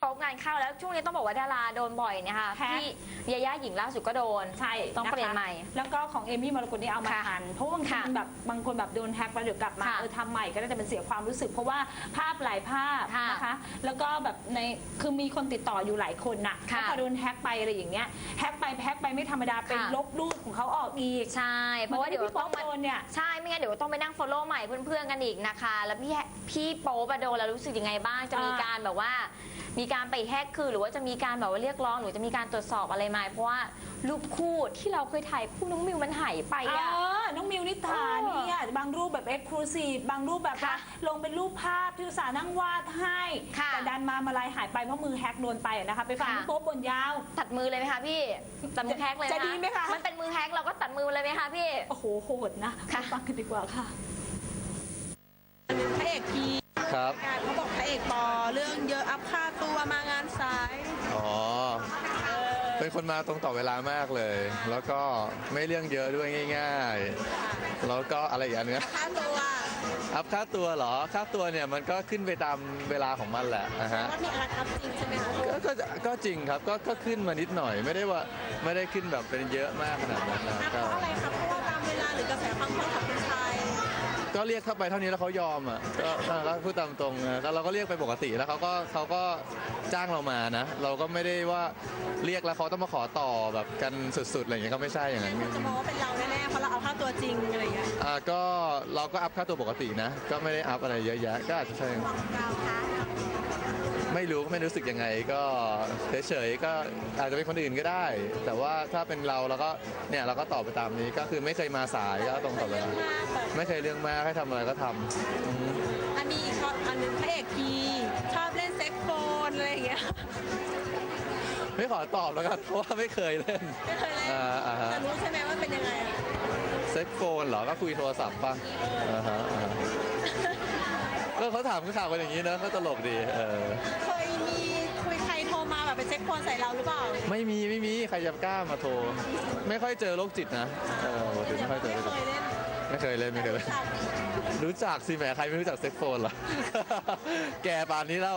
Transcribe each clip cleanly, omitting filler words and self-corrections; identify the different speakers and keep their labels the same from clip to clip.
Speaker 1: โป๊กงานเข้าแล้วช่วงนี้ต้องบอกว่าดาราโดนบ่อยเนี่ยค่ะ
Speaker 2: แฮก
Speaker 1: พี่ยาย่าหญิงล่าสุดก็โดน
Speaker 2: ใช่
Speaker 1: ต้องเปลี่ยนใหม่
Speaker 2: แล้วก็ของเอมี่มรกตนี่เอามา
Speaker 1: ค่ะ
Speaker 2: ทันเพราะว่าบางที
Speaker 1: ค่ะ
Speaker 2: แบบบางคนแบบโดนแฮกแล้วเดี๋ยวกลับมา
Speaker 1: ค่ะ
Speaker 2: ทำใหม่ก็ได้แต่เป็นเสียความรู้สึก เพราะว่าภาพหลายภาพ
Speaker 1: ค่ะ
Speaker 2: นะคะ แล้วก็แบบในคือมีคนติดต่ออยู่หลายคนน่ะ
Speaker 1: ค่ะ
Speaker 2: แล้วพอโดนแฮกไปอะไรอย่างเงี้ยแฮกไปไม่ธรรมดาเป็น
Speaker 1: ค่ะ
Speaker 2: ลบรูปของเขาออกอีก
Speaker 1: ใช่เพราะว่าเดี๋ยว
Speaker 2: พี่ป๊
Speaker 1: ต้
Speaker 2: อ
Speaker 1: อก งมา
Speaker 2: โดนเนี่ย
Speaker 1: ใช่ไม่งั้นเดี๋ยวต้องไปนั่ง follow ใหม่เพื่อนๆกันอีกนะคะ แล้วพี่โป๊ปอะโดนแล้วรู้สึกยังไงบ้างจะมีการแบบว่า มีการไปแฮกคือหรือว่าจะมีการแบบว่าเรียกร้องหรือจะมีการตรวจสอบอะไรไหมเพราะว่ารูปคู่ที่เราเคยถ่ายคู่น้องมิวมันหายไปอะ
Speaker 2: น้องมิวนิษฐา
Speaker 1: เออ
Speaker 2: เนี่ยบางรูปแบบเอ็กซ์คลูซีฟบางรูปแบบว่า
Speaker 1: ค่ะ
Speaker 2: ลงเป็นรูปภาพที่อุตส่าห์นั่งวาดให้
Speaker 1: ค่ะ
Speaker 2: แต่ดันมาลายหายไปเพราะมือแฮกโดนไปอะนะคะ ไปฟัง
Speaker 1: ค่ะ
Speaker 2: พี่โป๊ปบนยาว
Speaker 1: ตัดมือเลยไหมคะพี่ตัดมือแฮกเลย
Speaker 2: จะดีไหมคะ
Speaker 1: มันเป็นมือแฮกเราก็ตัดมือเลยไหมคะพี่
Speaker 2: โอ้โหโหดนะ
Speaker 1: ค่ะ
Speaker 2: ไปฟังกันดีกว่าค่ะ
Speaker 3: พระเอกพี
Speaker 4: ครับ
Speaker 3: การเขาบอกพระเอกปอเรื่องเยอะอัพค่าตัวมางานสาย
Speaker 4: อ๋อ เป็นคนมาตรงต่อเวลามากเลย แล้วก็ไม่เรื่องเยอะด้วยง่ายๆ แล้วก็อะไรอีกอันเนี้ย
Speaker 3: ค่าตัว
Speaker 4: อัพค่าตัวเหรอ ค่าตัวเนี่ยมันก็ขึ้นไปตามเวลาของมันแหละนะฮะ
Speaker 3: ว่ามีการอัพจริงใช่ไหมคะ
Speaker 4: ก็จริงครับ ก็ขึ้นมานิดหน่อย ไม่ได้ขึ้นแบบเป็นเยอะมากขนาดนั้นนะ
Speaker 3: อัพเพ
Speaker 4: ก็
Speaker 3: ราะอะไรคะเพราะว่าตามเวลาหรือกระแสความคนของคุณชาย
Speaker 4: ก็เรียกเข้าไปเท่านี้แล้วเขายอมอ่ะก็พูดตามตรงนะก็เราก็เรียกไปปกติแล้วเขาก็จ้างเรามานะ เราก็ไม่ได้ว่าเรียกแล้วเขาต้องมาขอต่อแบบกันสุดๆอะไรอย่างเงี้ยก็ไม่ใช่อย่างนั้น
Speaker 3: คนจะมองว่าเป็นเราแน่ๆเพราะเราเอาค่าตัวจริงอะไรอย่างเงี้ย
Speaker 4: ก็เราก็อัพค่าตัวปกตินะ ก็ไม่ได้อัพอะไรเยอะแยะก็อาจจะใช่
Speaker 3: เราคะ
Speaker 4: ไม่รู้สึกยังไงก็เฉยๆก็อาจจะเป็นคนอื่นก็ได้ แต่ว่าถ้าเป็นเราก็เนี่ยเราก็ตอบไปตามนี้ก็คือไม่เคยมาสายก็ตรงต่อเวลา
Speaker 3: มากแบบ
Speaker 4: ไม่เคยเรื่องมากให้ทำอะไรก็ทำอืม
Speaker 3: อันนี้ชอบอันนึงพระเอกพีชอบเล่นเซ็กโฟนอะไรอย่างเงี้ย
Speaker 4: ไม่ขอตอบแล้วกันเพราะว่าไม่เคยเล่น
Speaker 3: ไม่เคยเล่น
Speaker 4: อ่าฮะ
Speaker 3: แต่รู้ใช่ไหมว่าเป็นยังไงอะ
Speaker 4: เซ็กโฟนเหรอก็คุยโทรศัพท์ป่ะอ่าฮะก็เขาถามข่าวกันอย่างนี้นะก็ตลกดี
Speaker 3: เคยมีคุยใครโทรมาแบบเป็นเซ็กโฟนใส่เราหรือเปล่า
Speaker 4: ไม่มีใครจะกล้ามาโทร ไม่ค่อยเจอโรคจิตนะปกติไม่ค่อยเจอ
Speaker 3: ไม่เคยเล่น
Speaker 4: ไม่เคยเล่น รู้จักสิแหมใครไม่รู้จักเซ็กโฟนล่ะ แกป่านนี้แล้ว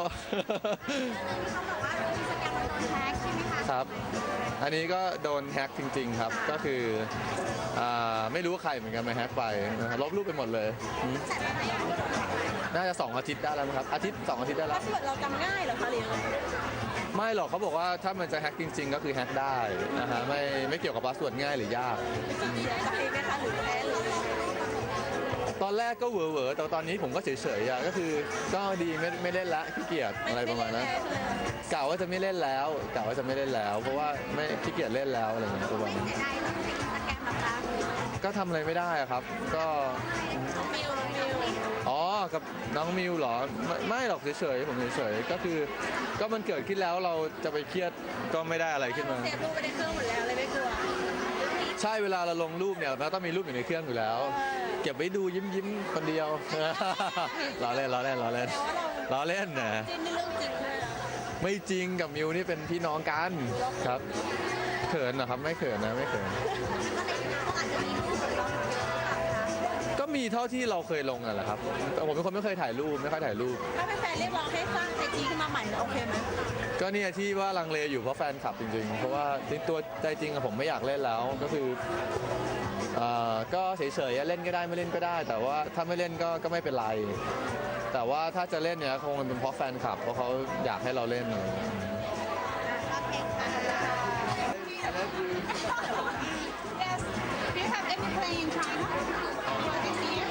Speaker 4: ครับ อันนี้ก็โดนแฮ็กจริง ๆ ครับ ก็คือไม่รู้ว่าใครเหมือนกันมาแฮ็กไปนะครับลบรูปไปหมดเลยน่าจะ2 อาทิตย์ได้แล้วมั้งครับ2 อาทิตย์ได้แล้
Speaker 3: พาว สเวิร์ดเราจำง่ายเหรอคะหรือยังไง
Speaker 4: ไม่หรอกเขาบอกว่าถ้ามันจะแฮ็กจริง ๆ ก็คือแฮ็กได้นะฮะไม่เกี่ยวกับพาสเวิร์ดง่ายหรือยาก
Speaker 3: เสียใจไหมคะหรือแพ้หรืออะไร
Speaker 4: ตอนแรกก็เหวอๆแต่ตอนนี้ผมก็เฉยๆอ่ะก็คือก็ดีไม่เล่นละขี้เกียจอะไรประมาณนั้นกล่าวว่าจะไม่เล่นแล้วเพราะว่าไม่ขี้เกียจเล่นแล้วอะไรอย่างเงี้ยประมาณนั้นก็ทำอะไรไม่ได้อะครับ ก็
Speaker 3: มิว
Speaker 4: อ๋อกับน้องมิวเหรอไม่หรอกเฉยๆผมเฉยๆก็คือก็มันเกิดขึ้นแล้วเราจะไปเครียดก็ไม่ได้อะไรขึ้นมา
Speaker 3: เซฟรูปไปในเครื่องหมดแล้วเลยไม่กลัว
Speaker 4: ใช่เวลาเราลงรูปเนี่ยเราต้องมีรูปอยู่ในเครื่องอยู่แล้ว เก็บไว้ดูยิ้มคนเดียว ล้อเล่นนะ
Speaker 3: แต่ว่าเราจิ้นในเรื่องจริงเลยอะ
Speaker 4: ไม่จริงกับมิวนี่เป็นพี่น้องกันครับเขินเหรอครับไม่เขินนะไม่เขินก็มีเท่าที่เราเคยลงอ่ะแหละครับแต่ผมเป็นคนไม่เคยถ่ายรูปไม่ค่อยถ่ายรูป
Speaker 3: ถ้าแฟนๆเรียกร้องให้สร้างไอจีขึ้นมาใหม่โอเคไหม
Speaker 4: ก็เนี่ยที่ว่าลังเลอยู่เพราะแฟนคลับจริงๆ เพราะว่าตัวใจจริงอะผมไม่อยากเล่นแล้วก็คือก็เฉยๆเล่นก็ได้ไม่เล่นก็ได้ แต่ว่าถ้าไม่เล่นก็ไม่เป็นไร แต่ว่าถ้าจะเล่นเนี่ยคงเป็นเพราะแฟนคลับเพราะเขาอยากให้เราเล่น
Speaker 3: Yes Do you have any play in China for this year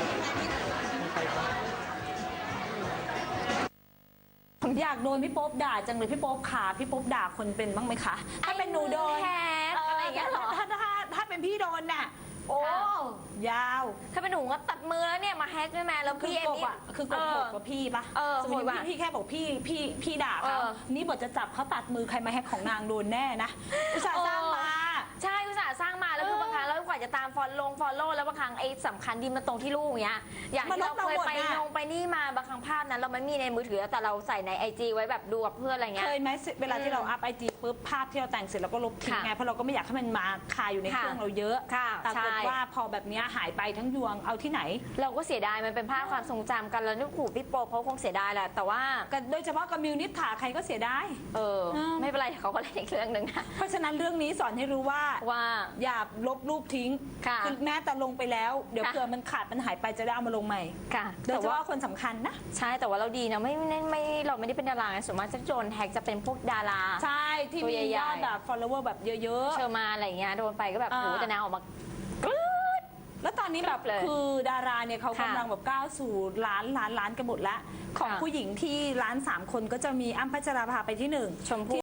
Speaker 2: ผมอยากโดนพี่โป๊ปด่าจังเลยพี่โป๊ปขาพี่โป๊ปด่าคนเป็นบ้างไหมคะ ถ้าเป็นหนูโดน
Speaker 1: แฮกอะไรอย่างเงี้ยเหรอ
Speaker 2: ถ้าเป็นพี่โดนน่ะโอ้
Speaker 1: ค่ะ
Speaker 2: ยาว
Speaker 1: ถ้าเป็นหนูก็ตัดมือแล้วเนี่ยมาแฮกด้วยแม่แล้ว
Speaker 2: คือ
Speaker 1: พี่เอ็
Speaker 2: ก
Speaker 1: ม
Speaker 2: บอ่ะคือกบโหดกว่าพี่ปะ สมมติ
Speaker 1: โหดกว่า
Speaker 2: พี่แค่บอกพี่ด่า
Speaker 1: เอ
Speaker 2: เขา
Speaker 1: อ
Speaker 2: นี่บทจะจับเขาตัดมือใครมาแฮกของนางโดนแน่นะอุตส่าห์สร้างมา
Speaker 1: ใช่อุตส่าห์สร้างมาแล้วคือบางครั้งแล้วกว่าจะตามฟอลโล่แล้วบางครั้งไอ้สำคัญดีมาตรงที่ลูกเนี้ยอย่างที่เราเคยไปนี่มาบางครั้งภาพนั้นเราไม่มีในมือถือแต่เราใส่ใน IG ไว้แบบดูกับเพื่อนอะไรเงี้ย
Speaker 2: เคยไหมเวลาที่เราอัพไอจีปุ๊บภาพที่เราแต่งเสร็จเราก็ลบทิ้ง
Speaker 1: ค่ะ
Speaker 2: ไงเพราะเราก็ไม่อยากให้มันมาคาอยู่ในเครื่อง
Speaker 1: ค่ะ
Speaker 2: เราเยอะ
Speaker 1: ค่ะ
Speaker 2: ปรากฏ
Speaker 1: ใช่
Speaker 2: ว่าพอแบบเนี้ยหายไปทั้งยวงเอาที่ไหน
Speaker 1: เราก็เสียดายมันเป็นภาพความทรงจำกันแล้วนึกขู่พี่โป๊ปเขาคงเสียดายแหละแต่ว่า
Speaker 2: โดยเฉพาะกับมิวนิษฐาใครก็เสียดาย
Speaker 1: ไม่เป็นไรเขาก็เล่นอีกเรื่องหนึ่งนะ
Speaker 2: เพราะฉะนั้นเรื่องนี้สอนให้รู้ว่า
Speaker 1: ว่า
Speaker 2: อย่าลบรูปทิ้ง
Speaker 1: ค่ะ
Speaker 2: อแม้แต่ลงไปแล้วเดี๋ยว
Speaker 1: ค่ะ
Speaker 2: เผื่อมันขาดมันหายไปจะได้เอามาลงใหม่
Speaker 1: ค่ะ
Speaker 2: โดย
Speaker 1: แต่
Speaker 2: เฉ
Speaker 1: ว่า
Speaker 2: พาะคนสำคัญนะ
Speaker 1: ใช่แต่ว่าเราดีนะไม่เราไม่ได้เป็นดาราไงส่วนมากจะโดนแฮกจะเป็นพวกดารา
Speaker 2: ใช่ที่
Speaker 1: ตัว
Speaker 2: มี
Speaker 1: ใหญ่ๆ
Speaker 2: ยอดแบบ follower แบบเยอะ
Speaker 1: เชอร์มานอะไรอย่างเงี้ยโดนไปก็แบบ
Speaker 2: อ่า
Speaker 1: โหแต่นางออกมา
Speaker 2: ๆ แล้วตอนนี้แบบ
Speaker 1: เลย
Speaker 2: คือดาราเนี่ยเขา
Speaker 1: ค่ะ
Speaker 2: กำลังแบบก้าวสู่ล้านกันหมดแล้ว ของ
Speaker 1: ค่ะ
Speaker 2: ผู้หญิงที่ล้าน3 คนก็จะมีอ้ำพัชราภาไปที่ 1
Speaker 1: ชมพู่